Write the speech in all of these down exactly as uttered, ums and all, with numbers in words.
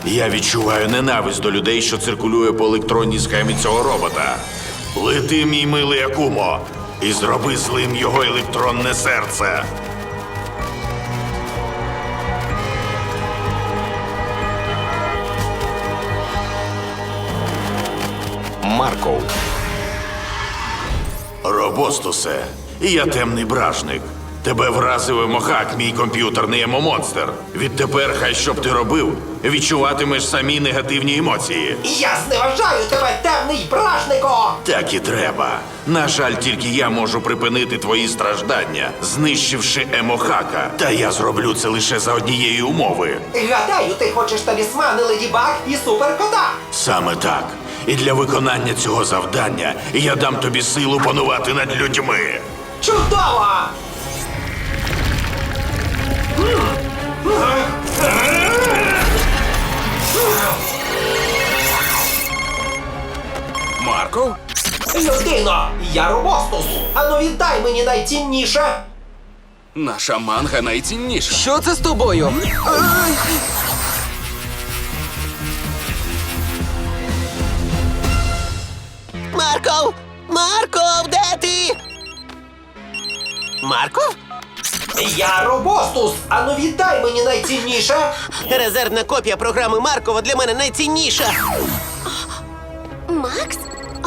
Я відчуваю ненависть до людей, що циркулює по електронній схемі цього робота. Лети, мій милий Акумо, і зроби злим його електронне серце. Марков. Робостусе, я темний бражник. Тебе вразив емохак, мій комп'ютерний емомонстр. Відтепер, хай що б ти робив, відчуватимеш самі негативні емоції. Я зневажаю тебе, темний бражнико! Так і треба. На жаль, тільки я можу припинити твої страждання, знищивши емохака. Та я зроблю це лише за однієї умови. Гадаю, ти хочеш талісмани Леді Баг і Суперкота. Саме так. І для виконання цього завдання я дам тобі силу панувати над людьми. Чудово! Марков? Людино, я Робостус. Ану віддай мені найцінніше. Наша манга найцінніша. Що це з тобою? Марков! Марков, де ти? Марков? Я Робостус. Ану віддай мені найцінніше. Резервна копія програми Маркова для мене найцінніша. Макс?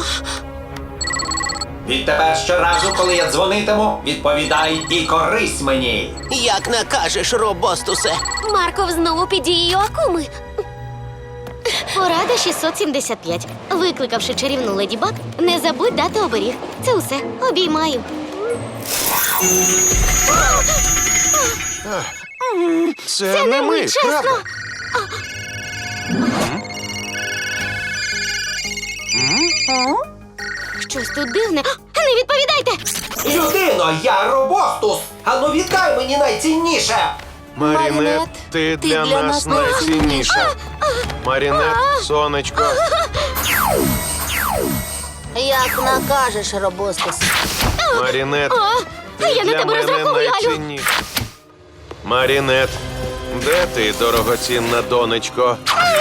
Відтепер щоразу, коли я дзвонитиму, відповідай і корись мені. Як накажеш, Робостусе. Марков знову під дією Акуми. Порада шістсот сімдесят п'ять. Викликавши чарівну Леді Баг, не забудь дати оберіг. Це усе. Обіймаю. Це, Це не ми, чесно. правда? Щось тут дивне. Не відповідайте! Людино, я Робостус. Ану віддай мені найцінніше. Марінет, ти для нас найцінніша. Марінет, сонечко. Як накажеш, Робостус. Марінет, А я ти на для тебе мене розраховую. найцінніша. Марінет, де ти, дорогоцінна донечко?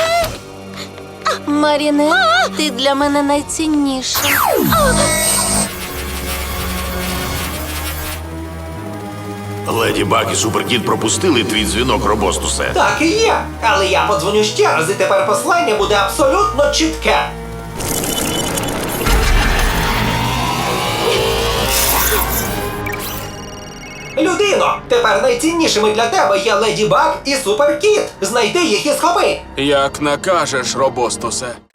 Маріне, ти для мене найцінніша. Леді Баг і Суперкіт пропустили твій дзвінок, Робостусе. Так і є. Але я подзвоню ще раз, і тепер послання буде абсолютно чітке. Людино, тепер найціннішими для тебе є Леді Баг і Суперкіт. Знайди їх і схопи. Як накажеш, Робостусе.